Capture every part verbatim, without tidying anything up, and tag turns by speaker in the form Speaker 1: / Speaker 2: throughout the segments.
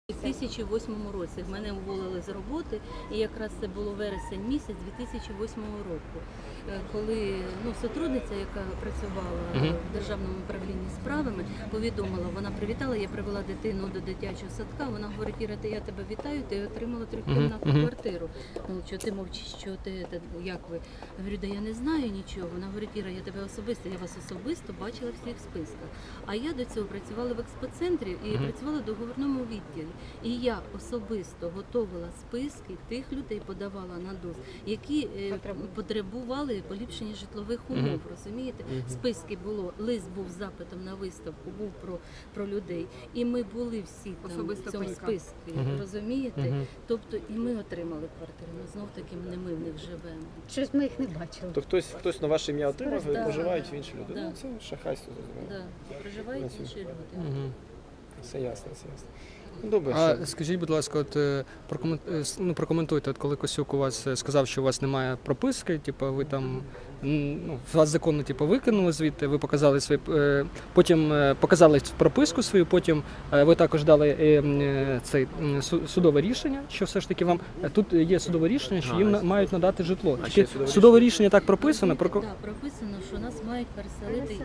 Speaker 1: У дві тисячі восьмому році мене уволили з роботи, і якраз це було вересень місяць дві тисячі восьмого року, коли ну, сотрудниця, яка працювала uh-huh. в Державному управлінні справами, повідомила, вона привітала, я привела дитину до дитячого садка, вона говорить: Іра, я тебе вітаю, ти отримала трьохкімнатну uh-huh. квартиру. Ну, що ти мовчиш, що ти, як ви? Я говорю, да я не знаю нічого. Вона говорить: Іра, я тебе особисто, я вас особисто бачила всіх в списках. А я до цього працювала в експоцентрі і uh-huh. працювала в договірному відділі. І я особисто готувала списки тих людей, подавала на ДОЗ, які е, потребували поліпшення житлових умов, uh-huh. розумієте? Uh-huh. Списки було, лист був з запитом на виставку, був про, про людей. І ми були всі там в цьому списку, uh-huh. розумієте? Uh-huh. Тобто і ми отримали квартири, але знов таки не ми в них живемо.
Speaker 2: Щось ми їх не бачили.
Speaker 3: То хтось, хтось на ваше ім'я отримав, і
Speaker 1: да,
Speaker 3: проживають
Speaker 1: да,
Speaker 3: інші люди.
Speaker 1: Да.
Speaker 3: Ну, це шахрайство, зрозуміло.
Speaker 1: Да. Проживають інші люди.
Speaker 3: Uh-huh. Все ясно, все ясно. Добре,
Speaker 4: а
Speaker 3: що?
Speaker 4: скажіть, будь ласка, от ну, прокоментуйте, от коли Косюк у вас сказав, що у вас немає прописки, типу ви там, ну, вас законно типу викинули звідти, ви показали свої, потім показали прописку свою, потім ви також дали цей судове рішення, що все ж таки вам тут є судове рішення, що їм мають надати житло.
Speaker 3: А
Speaker 4: Тільки
Speaker 3: судове,
Speaker 4: судове рішення так прописано.
Speaker 1: Так, про... да, прописано, що нас мають переселити.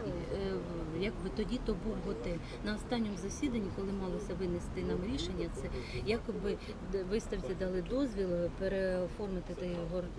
Speaker 1: Якби тоді то був готель. На останньому засіданні, коли малося винести нам рішення, це якби виставці дали дозвіл переоформити той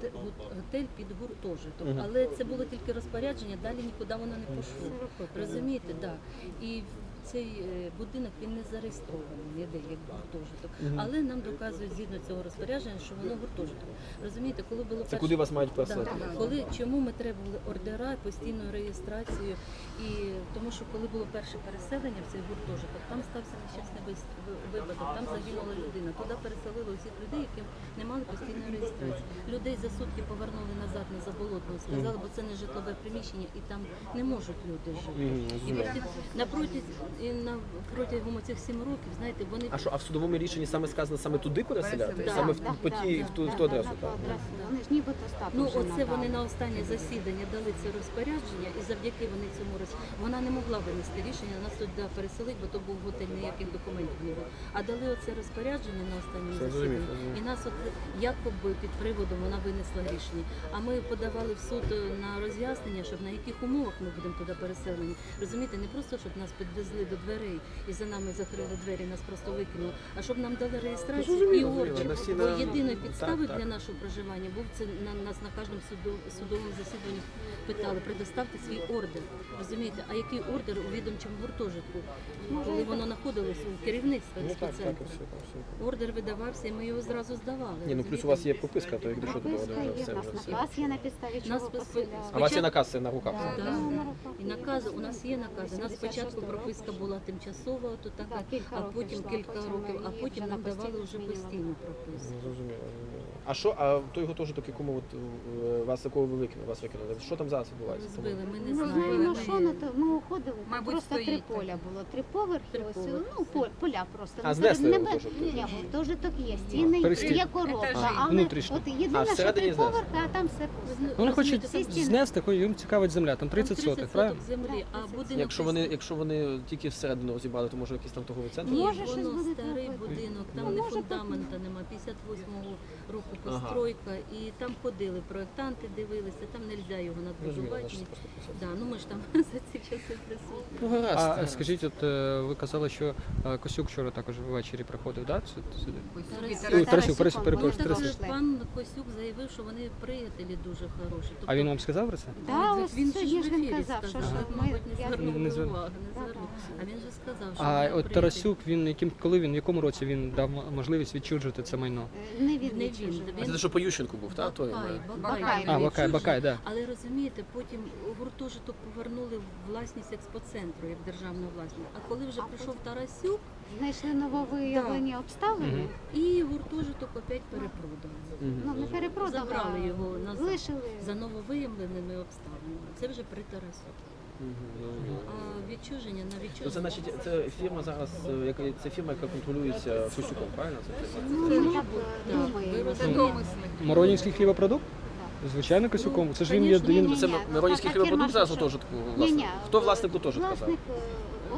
Speaker 1: готель під гуртожиток. Uh-huh. Але це було тільки розпорядження, далі нікуди воно не пішло. Розумієте, так. Да. І цей будинок, він не зареєстрований ніде як гуртожиток. Uh-huh. Але нам доказують згідно цього розпорядження, що воно гуртожиток. Розумієте, коли було
Speaker 3: це
Speaker 1: перше...
Speaker 3: куди вас мають переселити?
Speaker 1: Да. Коли, чому ми требували ордера, постійну реєстрацію, і тому що коли було перше переселення в цей гуртожиток, там стався нещасний випадок, там загинула людина. Туди переселили усіх людей, які не мали постійної реєстрації. Людей за сутки повернули назад на Заболотну, сказали, бо це не житлове приміщення і там не можуть люди жити. І напроти, і на, протягом цих сім років, знаєте, вони...
Speaker 3: А що, а в судовому рішенні саме сказано саме туди переселяти?
Speaker 1: Да,
Speaker 3: саме
Speaker 1: да,
Speaker 3: в, по ті,
Speaker 2: да,
Speaker 3: в, ту,
Speaker 2: да,
Speaker 3: в ту адресу?
Speaker 2: Да,
Speaker 3: Так?
Speaker 2: да, да. Вони ж нібито статус
Speaker 1: Ну,
Speaker 2: вже
Speaker 1: оце
Speaker 2: надали.
Speaker 1: вони на останнє засідання дали це розпорядження, і завдяки вони цьому роз... вона не могла винести рішення, нас туди переселити, бо то був готель, ніяких документів не було. А дали оце розпорядження на останньому засіданні, і нас от якоби під приводом вона винесла рішення. А ми подавали в суд на роз'яснення, щоб на яких умовах ми будемо туди переселені. Розумієте, не просто, щоб нас підвезли до дверей і за нами закрили двері, нас просто викинули, а щоб нам дали реєстрацію і ордер. Бо єдиною підставою для нашого проживання був це, на нас на кожному судов, судовому засіданні питали, предоставте свій ордер. Розумієте, а який ордер у відомчому гуртожитку, коли воно знаходилось у керівництві експоцентру? Ордер видавався, і ми його зразу здавали.
Speaker 3: Ні, ну плюс у вас є прописка, то якщо до ордер вже все.
Speaker 2: У вас є на підставі чого поселяли.
Speaker 3: А у вас є наказ це на руках?
Speaker 1: Так, і накази, у нас є накази. У нас спочатку прописка була тимчасова, то така, а потім кілька років, а потім нам давали вже постійну прописку.
Speaker 3: Зрозуміло. А що, а той гуртожиток, якому от вас такого ви викинули, вас викинули, що там зараз відбувається?
Speaker 1: Збили, ми не
Speaker 2: Не
Speaker 1: знаємо.
Speaker 2: знаємо, що на то. Ми уходили,
Speaker 5: Мабуть,
Speaker 2: просто
Speaker 5: стоїть
Speaker 2: три
Speaker 5: таке.
Speaker 2: поля було. Три поверхи,
Speaker 1: Три
Speaker 2: ось,
Speaker 1: поверхи.
Speaker 2: ну, поль- поля просто.
Speaker 3: А,
Speaker 2: Ну,
Speaker 3: знесли
Speaker 2: небе-
Speaker 3: гуртожиток?
Speaker 2: Ні, гуртожиток є, стіни,
Speaker 4: перестіль.
Speaker 2: є коробка,
Speaker 5: Етажі.
Speaker 2: але
Speaker 4: Внутрішні.
Speaker 2: от
Speaker 3: А,
Speaker 2: єдине, що
Speaker 3: всередині
Speaker 2: три
Speaker 3: знесли?
Speaker 2: поверхи, а там все пусто.
Speaker 4: Вони хочуть
Speaker 1: Розумієте,
Speaker 2: там-
Speaker 4: знести, їм цікавить земля, там тридцять сотих, правильно?
Speaker 1: землі, а будинок...
Speaker 3: Якщо вони, якщо вони тільки всередину розібрали, то може якийсь там торговий центр?
Speaker 1: Ні,
Speaker 2: Може, щось
Speaker 1: воно
Speaker 2: буде
Speaker 1: старий
Speaker 2: робити.
Speaker 1: будинок,
Speaker 2: Ну,
Speaker 1: там не
Speaker 2: може,
Speaker 1: фундамента нема, п'ятдесят восьмого року
Speaker 3: Ага.
Speaker 1: постройка, і там ходили проєктанти, дивилися, там не можна його
Speaker 3: Розуміло,
Speaker 1: надбудувати.
Speaker 3: значить, просто писати.
Speaker 1: Да, ну ми ж там за ці часи присутні.
Speaker 3: Ну, гаразд.
Speaker 4: А скажіть, от е, ви казали, що е, Косюк вчора також ввечері приходив, да? сюди? Ой, Тарасюк, Тарасюк, перепрошую,
Speaker 1: Так,
Speaker 4: Тарасюк.
Speaker 1: пан Косюк заявив, що вони приятелі дуже хороші. Тобто,
Speaker 4: А він вам сказав про це?
Speaker 2: Да,
Speaker 1: він
Speaker 2: ось
Speaker 1: він
Speaker 2: сьогодні
Speaker 1: ж
Speaker 2: ж
Speaker 1: в
Speaker 2: він
Speaker 1: ефірі
Speaker 2: казав, що
Speaker 1: сказав,
Speaker 2: ж ми-
Speaker 1: мабуть, не
Speaker 2: я-
Speaker 1: звернув
Speaker 4: Не звернув.
Speaker 1: уваги, не
Speaker 2: Да,
Speaker 1: звернув.
Speaker 2: да.
Speaker 1: А він же сказав, що
Speaker 4: А
Speaker 1: вони
Speaker 4: от
Speaker 1: приятелі.
Speaker 4: Тарасюк, він яким, коли він, в якому році він дав можливість відчужувати це майно?
Speaker 2: Не
Speaker 1: Не
Speaker 2: він
Speaker 1: він,
Speaker 2: відчужив.
Speaker 1: він-
Speaker 3: Це те, що по Ющенку був, так? Той,
Speaker 1: Бакай,
Speaker 3: ми-
Speaker 1: Бакай,
Speaker 2: Бакай.
Speaker 1: він
Speaker 4: А, Бакай,
Speaker 1: відчужив.
Speaker 4: Бакай, да.
Speaker 1: Але розумієте, потім гуртожиток повернули в власність експоцентру, як державну власність. А коли вже
Speaker 2: А
Speaker 1: прийшов Тарасюк,
Speaker 2: Знайшли нововиявлені обставини.
Speaker 4: Мгм.
Speaker 1: і гуртожиток опять перепродали.
Speaker 3: Мгм.
Speaker 2: Ну, не перепродали,
Speaker 1: Забрали
Speaker 2: а
Speaker 1: його назад.
Speaker 2: лишили.
Speaker 1: За нововиявленими обставинами. Це вже при Тарасюку.
Speaker 3: Мгм, зрозуміло.
Speaker 1: А відчуження на
Speaker 3: То
Speaker 1: відчуження.
Speaker 3: це значить, це фірма зараз, е, яка це фірма, яка контролюється Косюком, правильно? Це фірма?
Speaker 2: Ну,
Speaker 1: Це
Speaker 2: ми
Speaker 1: ж
Speaker 2: так
Speaker 1: бу-
Speaker 2: е,
Speaker 1: так, ви
Speaker 2: думаємо.
Speaker 5: Це
Speaker 1: розумієте.
Speaker 5: домисли.
Speaker 4: Моронівський хлібопродукт?
Speaker 2: Так.
Speaker 4: Звичайно, Косюком. Це ж він є...
Speaker 1: Конечно.
Speaker 4: Він...
Speaker 2: Ні-ні.
Speaker 3: Це Миронівський
Speaker 2: Та- та
Speaker 3: хлібопродукт
Speaker 2: фірма,
Speaker 3: зараз
Speaker 2: що-
Speaker 3: гуртожитку
Speaker 2: Ні,
Speaker 3: власник?
Speaker 2: ні,
Speaker 3: Хто власник гуртожитка
Speaker 2: власник,
Speaker 3: зараз?
Speaker 2: е,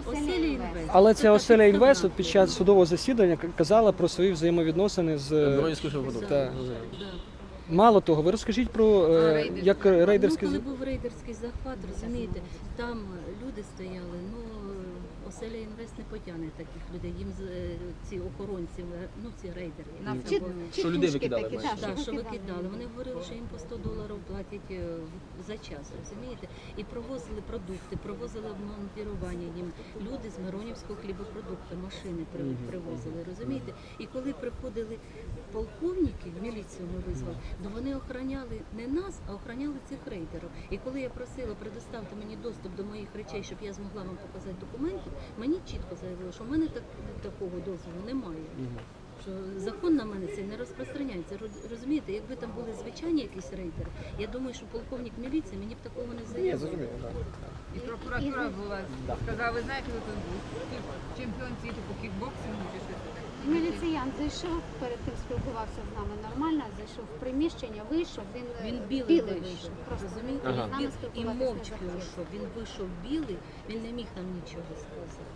Speaker 1: Оселя інвест.
Speaker 4: Але
Speaker 1: Це
Speaker 4: ця
Speaker 1: так
Speaker 4: оселя
Speaker 1: і
Speaker 4: інвест
Speaker 1: сказали.
Speaker 4: от під час судового засідання к- казала про свої взаємовідносини з е,
Speaker 3: Воронівського продукту.
Speaker 4: Так.
Speaker 1: Да.
Speaker 4: мало того. Ви розкажіть про е, як рейдерські
Speaker 1: Ну,
Speaker 4: з-
Speaker 1: коли був рейдерський захват, розумієте, там люди стояли, ну, оселя інвест не потягне таких людей, їм з- е, ці охоронці, е, ну, ці рейдери.
Speaker 3: Нам
Speaker 2: Чи-
Speaker 1: Вони-
Speaker 3: Що людей
Speaker 2: тітушки
Speaker 3: викидали,
Speaker 2: такі,
Speaker 3: маєш?
Speaker 2: так,
Speaker 1: Так, що
Speaker 2: викидали.
Speaker 1: викидали. Вони говорили, що їм по сто доларів платять е, в- за час, розумієте? І провозили продукти, провозили обмонтування їм. Люди з Миронівського хлібопродукту, машини при-
Speaker 3: Мгм.
Speaker 1: привозили, розумієте? І коли приходили полковники, в міліцію ми визвали, то вони охороняли не нас, а охороняли цих рейдерів. І коли я просила, предоставте мені доступ до моїх речей, щоб я змогла вам показати документи, мені чітко заявили, що в мене так, такого дозволу немає.
Speaker 3: Мгм.
Speaker 1: Що закон на мене цей не розпространяється. Роз- Розумієте, якби там були звичайні якісь рейдери, я думаю, що полковник міліції мені б такого не
Speaker 3: Ні,
Speaker 1: заявив.
Speaker 3: зрозуміло, так.
Speaker 5: І прокуратура була,
Speaker 3: Да.
Speaker 5: сказала, ви знаєте, хто тут був? Чемпіон світу по кікбоксингу чи щось таке.
Speaker 2: Міліціян зайшов, перед тим спілкувався з нами нормально, зайшов в приміщення, вийшов, він, е,
Speaker 1: Він білий,
Speaker 2: білий
Speaker 1: вийшов.
Speaker 2: вийшов. Просто
Speaker 1: Розумієте?
Speaker 3: Ага.
Speaker 1: Він
Speaker 2: з нами
Speaker 1: біл- і
Speaker 2: спілкуватися не
Speaker 1: мовчки
Speaker 2: захотів.
Speaker 1: вийшов. Він вийшов білий, він не міг нам нічого сказати.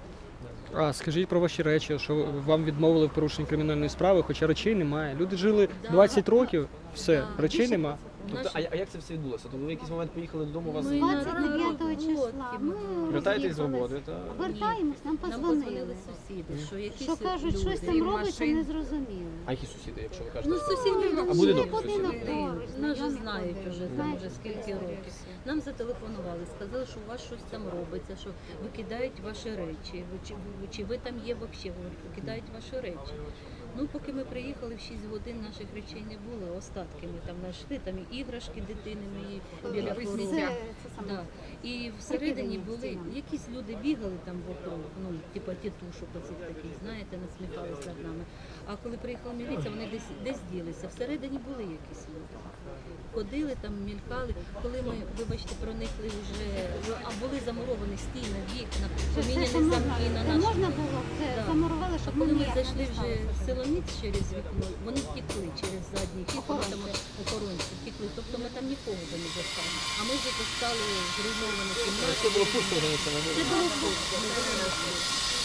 Speaker 4: А скажіть про ваші речі, що вам відмовили в порушенні кримінальної справи, хоча речей немає. Люди жили
Speaker 1: Да.
Speaker 4: двадцять років, все,
Speaker 1: Да.
Speaker 4: речей
Speaker 1: Більше-
Speaker 4: нема.
Speaker 3: Тобто,
Speaker 1: Наші-
Speaker 3: а, а як це все відбулося? Тобто ви в якийсь момент поїхали додому, у вас
Speaker 1: Ми
Speaker 2: двадцять дев'ятого
Speaker 1: на
Speaker 2: числа
Speaker 1: роботі
Speaker 2: ми
Speaker 1: були.
Speaker 3: вертаєтесь з
Speaker 2: роз'їхались.
Speaker 3: роботи, та
Speaker 2: Вертаємось, нам
Speaker 1: Нам
Speaker 2: позвонили.
Speaker 1: подзвонили сусіди, що якісь
Speaker 2: Що кажуть,
Speaker 1: люди.
Speaker 2: щось там
Speaker 5: Крім
Speaker 2: робиться,
Speaker 5: машин.
Speaker 2: не зрозуміло.
Speaker 3: а які сусіди, якщо ви кажете?
Speaker 1: Ну, сусіди
Speaker 3: А
Speaker 1: наші.
Speaker 3: будинок
Speaker 2: Жили будинок
Speaker 3: сусіди?
Speaker 2: поруч,
Speaker 1: Нас же
Speaker 2: знайомі
Speaker 1: знають
Speaker 2: ходили,
Speaker 1: вже там
Speaker 2: знають,
Speaker 1: вже
Speaker 2: що
Speaker 1: скільки
Speaker 2: це
Speaker 1: років.
Speaker 2: все.
Speaker 1: Нам зателефонували, сказали, що у вас щось там робиться, що викидають ваші речі. Ви Чи, ви- чи ви там є взагалі? Говорять, викидають ваші речі. Ну, поки ми приїхали, в шість годин наших речей не було. Остатки ми там знайшли, там і іграшки дитини мої біля
Speaker 5: Ви
Speaker 1: порогу.
Speaker 5: сміття.
Speaker 2: Це, це саме.
Speaker 1: Да. І всередині
Speaker 2: Прикидані
Speaker 1: були
Speaker 2: стінами.
Speaker 1: якісь люди бігали там вокруг, ну, типа тітушок оцих таких, знаєте, насміхались над нами. А коли приїхала міліція, вони десь десь ділися. Всередині були якісь люди. Ходили там, мількали. Коли ми, вибачте, проникли вже, а були замуровані стіни, вікна,
Speaker 2: Що все,
Speaker 1: поміняні
Speaker 2: що можна,
Speaker 1: замки на
Speaker 2: це
Speaker 1: наш.
Speaker 2: можна було, це
Speaker 1: Да.
Speaker 2: замурували,
Speaker 1: А
Speaker 2: щоб
Speaker 1: коли
Speaker 2: нам
Speaker 1: ми
Speaker 2: ніяк
Speaker 1: зайшли
Speaker 2: не
Speaker 1: вже
Speaker 2: сталося.
Speaker 1: в Силоміць через вікно, вони втекли через задній хід, тому там
Speaker 2: Охоронці.
Speaker 1: охоронці втекли. Тобто ми там нікого вже не застали. А ми вже застали зруйновані кімнати.
Speaker 3: Це було пусто вже це не
Speaker 1: Це
Speaker 3: було.
Speaker 1: було пусто, ми були на вулиці.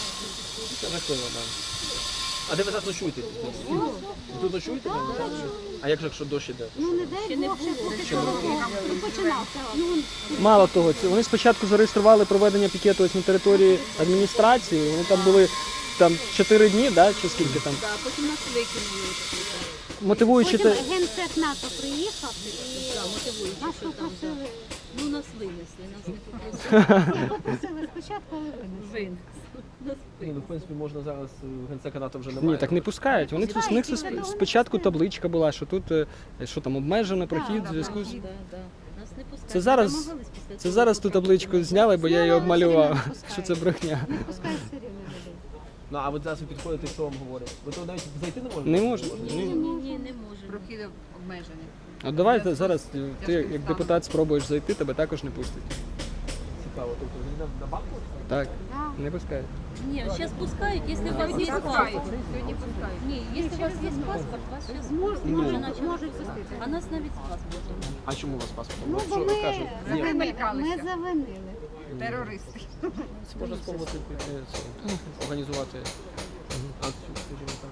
Speaker 3: Це жахливо, так. А де ви зараз ночуєте?
Speaker 2: Ну,
Speaker 3: Ви тут ночуєте? А як же, якщо дощ іде?
Speaker 2: Ну не дай
Speaker 1: Ще не
Speaker 2: Бог, ще
Speaker 1: було.
Speaker 2: поки
Speaker 1: Ще
Speaker 2: що
Speaker 1: було.
Speaker 2: не починався. Ну,
Speaker 4: Мало того, це- вони спочатку зареєстрували проведення пікету ось на території адміністрації. Вони там були там чотири дні, да, чи скільки там.
Speaker 1: Да, потім нас викинули.
Speaker 4: Мотивуючи
Speaker 2: потім
Speaker 4: те,
Speaker 2: генсек НАТО приїхав і
Speaker 1: Да, мотивуючи,
Speaker 2: нас
Speaker 1: що там. да.
Speaker 2: попросили,
Speaker 1: Ну, нас винесли, нас не попросили.
Speaker 2: попросили спочатку, але винесли.
Speaker 1: Винесли. Нас
Speaker 3: Ну, в принципі, можна зараз е, генсека НАТО вже
Speaker 4: ні,
Speaker 3: немає.
Speaker 4: так не пускають. Вони тут у них сп- спочатку табличка була, що тут е, що там обмежено прохід в зв'язку з.
Speaker 1: Да, да. Нас не пускають.
Speaker 4: Це зараз-
Speaker 1: Ми намагались після
Speaker 4: Це
Speaker 1: того
Speaker 4: зараз ту табличку зняли, бо я її
Speaker 2: Зняли,
Speaker 4: обмалював.
Speaker 2: все рівно не
Speaker 4: Що це брехня.
Speaker 2: Не пускають все рівно людей.
Speaker 3: Ну, а от зараз ви підходите, що вам говорять? Ви то навіть зайти не можете?
Speaker 4: Не можна.
Speaker 1: Ні, ні, ні, не можемо.
Speaker 5: Прохід обмеження.
Speaker 4: От давайте зараз ти як депутат спробуєш зайти, тебе також не пустять.
Speaker 3: Цікаво, тобто ви на, на банку?
Speaker 4: Так,
Speaker 2: Да.
Speaker 4: не пускають.
Speaker 1: Ні, зараз пускають, якщо у вас є
Speaker 5: Пускають.
Speaker 1: паспорт.
Speaker 5: Сьогодні пускають.
Speaker 1: Ні, якщо у вас є паспорт, вас зараз
Speaker 2: Мож-
Speaker 3: Ну.
Speaker 2: можуть-
Speaker 1: наче
Speaker 2: Можуть пустити.
Speaker 1: А нас навіть з паспортом.
Speaker 3: А чому у вас паспорт?
Speaker 2: Ну,
Speaker 3: От
Speaker 2: бо
Speaker 3: що
Speaker 2: ми
Speaker 3: кажуть? Ні,
Speaker 2: завинили. Ми
Speaker 5: Замелькалися.
Speaker 2: завинили.
Speaker 5: Терористи.
Speaker 3: це можна спробувати піти, це, організувати акцію, скажімо так.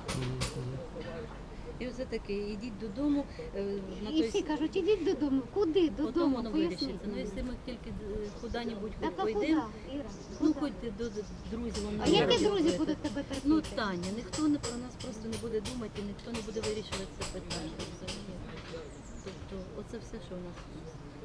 Speaker 1: І все таке, йдіть додому е, на
Speaker 2: І
Speaker 1: той
Speaker 2: всі кажуть, ідіть додому. Куди?
Speaker 1: потім
Speaker 2: Додому,
Speaker 1: воно
Speaker 2: поясніть.
Speaker 1: вирішиться. Ну, якщо ми тільки е, куди-небудь
Speaker 2: Так, а куди,
Speaker 1: пойдемо,
Speaker 2: Іра?
Speaker 1: ну
Speaker 2: Куди?
Speaker 1: хоч до до друзів. воно
Speaker 2: А
Speaker 1: не
Speaker 2: які
Speaker 1: буде.
Speaker 2: друзі будуть тебе терпіти?
Speaker 1: Ну, Таня, ніхто не про нас просто не буде думати, ніхто не буде вирішувати це питання. Розумієте? Тобто, оце все, що в нас є.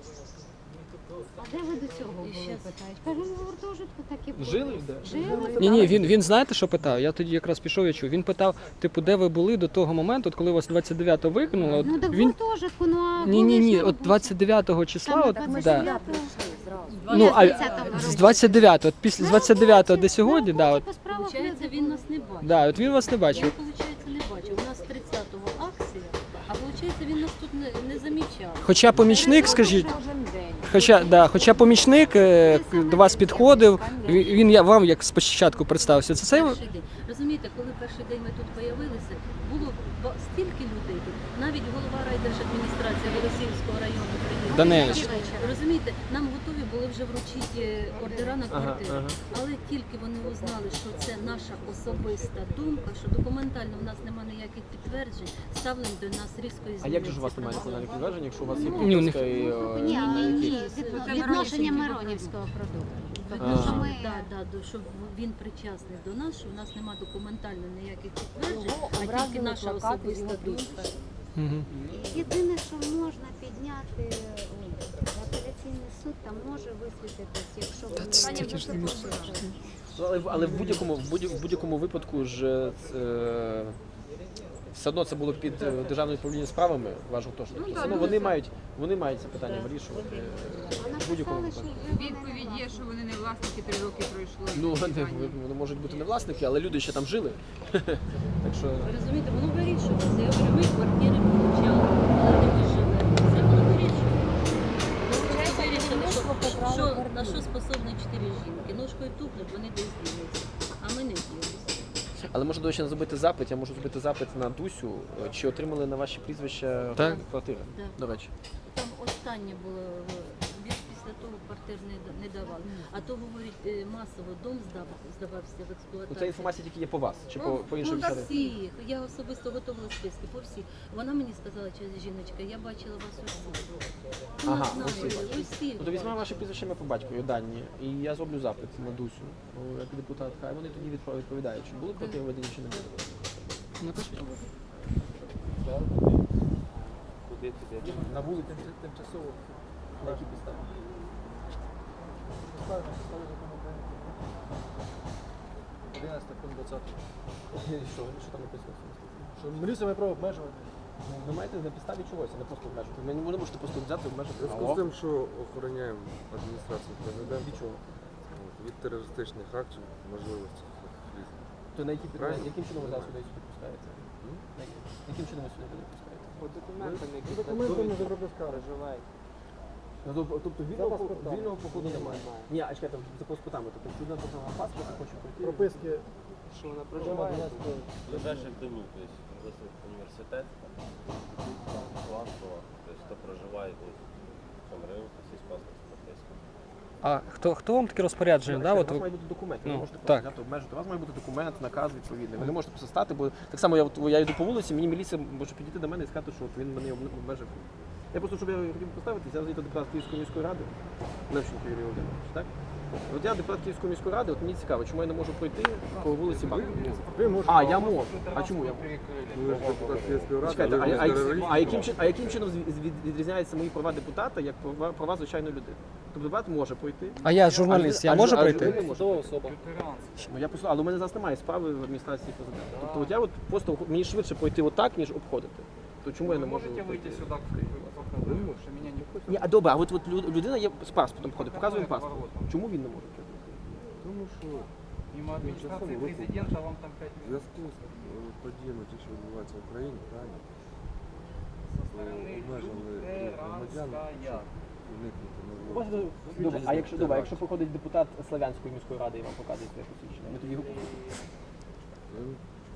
Speaker 2: А де ви до цього
Speaker 1: І
Speaker 2: були,
Speaker 1: щас-
Speaker 2: питають? Кажу, ну в гуртожитку так і було.
Speaker 3: Жили де?
Speaker 2: Жили.
Speaker 4: Ні, ні, він, він знаєте, що питав? Я тоді якраз пішов, я чув. Він питав, типу, де ви були до того моменту, от коли вас двадцять дев'ятого викинули. От
Speaker 2: Ну так в
Speaker 4: він
Speaker 2: гуртожитку, ну а
Speaker 4: ні, ні,
Speaker 2: були ж
Speaker 4: ні,
Speaker 2: на
Speaker 4: от
Speaker 2: роботі.
Speaker 4: двадцять дев'ятого числа,
Speaker 2: Саме
Speaker 4: от
Speaker 2: двадцять
Speaker 4: да.
Speaker 2: дев'ятого.
Speaker 4: Ну, а
Speaker 2: двадцятого
Speaker 4: з двадцять дев'ятого, от після з двадцять дев'ятого до сьогодні, да, от,
Speaker 2: По справах
Speaker 1: Получається,
Speaker 2: люди
Speaker 1: він
Speaker 2: були.
Speaker 1: нас не бачив.
Speaker 4: да, от він вас не
Speaker 1: Я,
Speaker 4: бачив.
Speaker 1: виходить, не бачив. У нас тридцятого акція, а виходить, він нас тут не, не замічав.
Speaker 4: Хоча помічник, скажіть, хоча, да, хоча помічник е, к- до вас підходив, він, він я вам як спочатку представився. Це цей
Speaker 1: Перший день. Розумієте, коли перший день ми тут появилися, з'явилися, було ба- стільки людей тут. Навіть голова райдержадміністрації Голосіївського району приїхав.
Speaker 4: Данилич.
Speaker 1: Розумієте, нам готові були вже вручити ордера на
Speaker 3: Ага,
Speaker 1: квартиру.
Speaker 3: ага.
Speaker 1: Але тільки вони узнали, що це наша особиста думка, що документально в нас немає ніяких підтверджень, ставлено до нас різко
Speaker 3: А
Speaker 1: змінюється.
Speaker 3: як же ж у вас немає національних підтверджень, якщо у вас є
Speaker 1: Ну,
Speaker 4: ні, у них-
Speaker 3: прописка і... е,
Speaker 2: Ні,
Speaker 3: які-
Speaker 2: ні, від-
Speaker 1: Це
Speaker 2: відношення
Speaker 1: Миронівський
Speaker 2: Миронівського продукту.
Speaker 3: А.
Speaker 2: Тому що ми
Speaker 1: Да, да, до- щоб він причасний до нас, що в нас немає документально ніяких підтверджень,
Speaker 6: Його
Speaker 1: а тільки
Speaker 6: образили
Speaker 1: наша
Speaker 6: плакати з
Speaker 1: особиста
Speaker 6: його
Speaker 1: думка.
Speaker 6: підписом.
Speaker 4: Мгм.
Speaker 2: єдине, що можна підняти ой, в апеляційний суд, там може висвітитись, якщо ви
Speaker 5: Пані вже це поширено.
Speaker 3: Ну, Але, в- але в будь-якому в будь- в будь-якому випадку ж е, все одно це було під е, державним управлінням справами, ваш гуртожиток.
Speaker 5: Ну,
Speaker 3: Все
Speaker 5: так,
Speaker 3: одно
Speaker 5: ну,
Speaker 3: вони
Speaker 5: це-
Speaker 3: мають вони мають це питання вирішувати. е,
Speaker 2: А
Speaker 3: В будь-якому
Speaker 2: написали, що
Speaker 3: випадку.
Speaker 2: вже
Speaker 5: Відповідь
Speaker 2: вони
Speaker 5: є,
Speaker 2: не
Speaker 5: що вони не власники, три роки пройшло.
Speaker 3: Ну вони,
Speaker 5: питання.
Speaker 3: вони можуть бути не власники, але люди ще там жили. Так що
Speaker 1: Ви розумієте, воно вирішується. Я говорю, ми квартири получали, але не ми живемо. Це воно вирішується. Ми просто вирішили, що, що, на що способні чотири жінки. Ножкою тупнуть, вони десь дінуться, а ми не ділимося.
Speaker 3: Але можна, до речі, не зробити запит. Я можу зробити запит на Дусю. е, Чи отримали на ваші прізвища
Speaker 4: Так.
Speaker 3: квартири?
Speaker 1: Да.
Speaker 3: До речі.
Speaker 1: Там останнє було, більш після того квартир не, да- не давали. А то, говорить, е, масово дом здав, здавався в
Speaker 3: Ну,
Speaker 1: експлуатацію.
Speaker 3: ця інформація тільки є по вас, чи по, по іншим
Speaker 1: Ну, так
Speaker 3: місцям?
Speaker 1: всіх. Я особисто готувала списки по всіх. Вона мені сказала, що жіночка, я бачила вас усіх. Ну,
Speaker 3: Ага,
Speaker 1: знаю,
Speaker 3: усіх.
Speaker 1: усіх.
Speaker 3: Ну, то візьмемо ваші прізвища ім'я по батькові, дані, і я зроблю запит на Дусю, ну, як депутат. Хай вони тоді відпро- відповідають, чи були квартири введені, чи не були.
Speaker 4: Напишіть.
Speaker 7: Куди туди?
Speaker 3: На вулиці тимчасово. На які підстави?
Speaker 8: одинадцятий пункт двадцятий.
Speaker 3: Що, що там написано?
Speaker 8: Що міліція має право обмежувати.
Speaker 3: Ви маєте на підставі чогось, а не просто обмежувати. Ви не можете просто взяти і обмежити.
Speaker 7: В зв'язку з тим, що охороняємо адміністрацію президента
Speaker 3: Від чого?
Speaker 7: от, від терористичних актів, можливості різних.
Speaker 3: То на які підстави?
Speaker 7: Правильно.
Speaker 3: Яким чином ви зараз сюди сюди пускаєте? На які- Яким чином ви сюди люди пускаєте?
Speaker 7: По документам, які
Speaker 8: Документами за пропускали.
Speaker 3: Ну, тобто, тобто
Speaker 8: За
Speaker 3: вільного,
Speaker 8: паспортами.
Speaker 3: вільного походу немає. Ні, а чекайте, за паспортами. Тобто, якщо людина показала паспорт, і хоче пройти.
Speaker 8: Прописки.
Speaker 7: що вона
Speaker 8: Проживає.
Speaker 7: ближайших домів, тобто Круглосвіт університет, Ланкова, тобто хто проживає тут в цьому районі, то є паспорт прописка.
Speaker 4: А хто, хто вам таке розпорядження? Да?
Speaker 3: у
Speaker 4: От
Speaker 3: вас
Speaker 4: ви...
Speaker 3: має бути документ, ви
Speaker 4: Ну,
Speaker 3: не можете
Speaker 4: так.
Speaker 3: просто взяти обмежити. У вас має бути документ, наказ відповідний. Ви не можете просто стати, бо так само я, от, я йду по вулиці, мені міліція може підійти до мене і сказати, що от він мене обме- обмежив. Я просто, щоб я хотів поставитися, я звідти депутат Київської міської ради, Левченко Юрій Володимирович, так? От я депутат Київської міської ради, от мені цікаво, чому я не можу пройти по вулиці Банкова?
Speaker 8: Ви можете.
Speaker 3: А, я можу. А чому я можу?
Speaker 7: Ви ж депутат Київської ради,
Speaker 3: Чекайте,
Speaker 7: але
Speaker 3: а,
Speaker 7: ви
Speaker 3: а,
Speaker 7: не терорист.
Speaker 3: а, яким, чин- а яким чином з- від- відрізняються мої права депутата як права, права звичайної людини? Тобто депутат може пройти.
Speaker 4: А я журналіст, я
Speaker 3: А
Speaker 4: можу
Speaker 3: жу- а
Speaker 4: пройти?
Speaker 3: людина може. Ну, я просто, але у мене зараз немає справи в адміністрації президента. Тобто от я от просто мені швидше пройти отак, ніж обходити. То чому я не можу? пройти?
Speaker 8: Що мене не хочуть.
Speaker 3: Ні, а добре, а от, от лю- людина є з паспортом ходить, показує паспорт. Чому він не може пройти?
Speaker 7: Тому що
Speaker 8: Мимо адміністрації
Speaker 7: Закону
Speaker 8: президента вам там п'ять
Speaker 7: в зв'язку з е, подіями, ті, що відбуваються в Україні, правильно? То обмежили і громадян, щоб уникнути
Speaker 3: Можна,
Speaker 7: можливості.
Speaker 3: добре, а якщо добре, а якщо приходить депутат Славянської міської ради і вам показує своє посвідчення, ми тоді його
Speaker 7: Ну,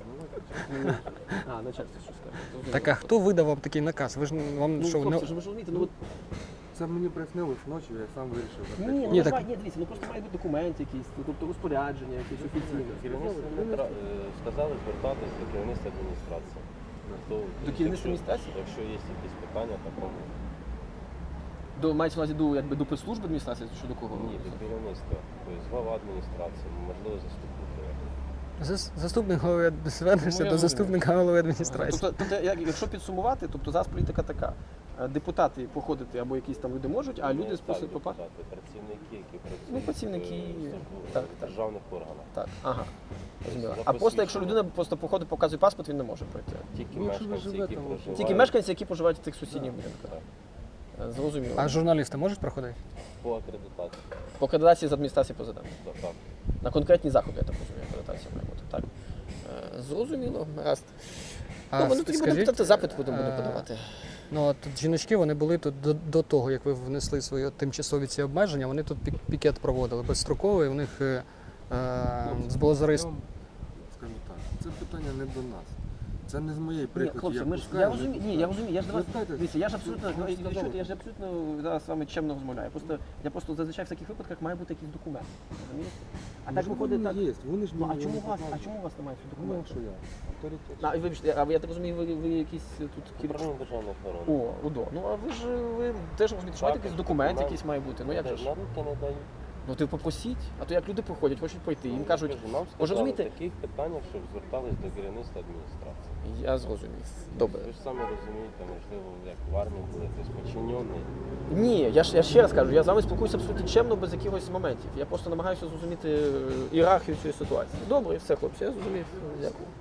Speaker 3: А, начальство що скаже.
Speaker 4: Так а хто видав вам такий наказ? Ви ж вам
Speaker 3: Ну,
Speaker 4: що, не...
Speaker 3: хлопці, ж ви ж розумієте, ну от
Speaker 7: Це мені приснилось ночі, я сам вирішив.
Speaker 3: ні,
Speaker 7: закрити.
Speaker 3: ну
Speaker 4: Ні,
Speaker 3: ні,
Speaker 4: так-
Speaker 3: ні, дивіться, ну просто має бути документ якийсь, ну, тобто розпорядження, якесь офіційне.
Speaker 9: Керівництво Дмитра, е, сказали звертатись до керівництва адміністрації. Хто-
Speaker 3: До керівництва
Speaker 9: якщо-
Speaker 3: адміністрації?
Speaker 9: Якщо є якісь питання, то кому?
Speaker 3: До мається на увазі до якби до прес-служби адміністрації чи до кого?
Speaker 9: Ні, до керівництва. Тобто глава адміністрації, можливо, заступники.
Speaker 4: Зас- Заступник голови
Speaker 3: Ну,
Speaker 4: звернешся
Speaker 3: я
Speaker 4: до
Speaker 3: розумію.
Speaker 4: заступника голови адміністрації.
Speaker 3: Тобто, тобто, як- якщо підсумувати, тобто зараз політика така. Е, Депутати походити або якісь там люди можуть, а люди
Speaker 9: Не
Speaker 3: спосіб
Speaker 9: так,
Speaker 3: попасти.
Speaker 9: депутати, працівники, які працюють
Speaker 3: Ну, працівники,
Speaker 9: в службу-
Speaker 3: так,
Speaker 9: в
Speaker 3: так.
Speaker 9: державних органах.
Speaker 3: Так, ага. Зрозуміло.
Speaker 9: За
Speaker 3: А просто якщо
Speaker 9: посвідчення.
Speaker 3: людина просто походить, показує паспорт, він не може пройти.
Speaker 9: Тільки
Speaker 7: Ну, якщо ви
Speaker 9: мешканці, які
Speaker 7: живете в-
Speaker 9: проживають.
Speaker 3: Тільки мешканці, які проживають в тих сусідніх будинках.
Speaker 9: Так.
Speaker 3: Е, Зрозуміло.
Speaker 4: А журналісти можуть проходити?
Speaker 9: По акредитації.
Speaker 3: По акредитації з адміністрації президента.
Speaker 9: Так, так.
Speaker 3: На конкретні заходи, я так розумію, акредитація має бути. Так. Е, Зрозуміло, гаразд.
Speaker 4: А
Speaker 3: Ну, ми тоді будемо
Speaker 4: скажіть,
Speaker 3: питати, запит будемо будемо
Speaker 4: е,
Speaker 3: подавати.
Speaker 4: Ну, от тут жіночки, вони були тут до, до того, як ви внесли свої тимчасові ці обмеження, вони тут пік- пікет проводили безстроковий, у них е, е, було зареєстровано.
Speaker 7: Скажу так, це питання не до нас. Це не з моєї
Speaker 3: Ні,
Speaker 7: прикладі.
Speaker 3: хлопці,
Speaker 7: я
Speaker 3: ми ж
Speaker 7: пускаю,
Speaker 3: я
Speaker 7: не
Speaker 3: розумію. Ні,
Speaker 7: пускаю.
Speaker 3: я розумію. Я ж до вас
Speaker 7: Звертайтесь.
Speaker 3: дивіться, я ж абсолютно
Speaker 7: Ви
Speaker 3: ну,
Speaker 7: ж сказали.
Speaker 3: чуєте, я ж абсолютно зараз з вами чемно розмовляю. Просто я просто зазвичай в таких випадках має бути якийсь документ. Розумієте? А так
Speaker 7: Можливо,
Speaker 3: виходить так.
Speaker 7: вони є, вони ж
Speaker 3: Ну а
Speaker 7: мені
Speaker 3: чому
Speaker 7: його
Speaker 3: у вас? А
Speaker 7: показують.
Speaker 3: чому у вас немає цього
Speaker 7: Ну,
Speaker 3: документу?
Speaker 7: що я? Авторитет.
Speaker 3: А, і вибачте, а я так розумію, ви, ви якісь тут кілька.
Speaker 9: Управління державної охорони.
Speaker 3: О, УДО. Ну а ви ж ви теж розумієте, що маєте
Speaker 9: Так,
Speaker 3: якийсь документ
Speaker 9: документ.
Speaker 3: якийсь має бути. Ну як же ж?
Speaker 9: На руки не дають.
Speaker 3: Ну ти попросіть, а то як люди приходять, хочуть пройти, їм кажуть,
Speaker 9: Кажу, нам
Speaker 3: може
Speaker 9: сказали в
Speaker 3: розумієте?
Speaker 9: таких питаннях, щоб звертались до керівництва адміністрації.
Speaker 3: Я зрозумів. Добре.
Speaker 9: Ви ж самі розумієте, можливо, як в армії були хтось подчинений.
Speaker 3: Ні, я ж я ще раз кажу, я з вами спілкуюся абсолютно чемно, без якихось моментів. Я просто намагаюся зрозуміти е, ієрархію цієї ситуації. Добре, все, хлопці, я зрозумів. Дякую.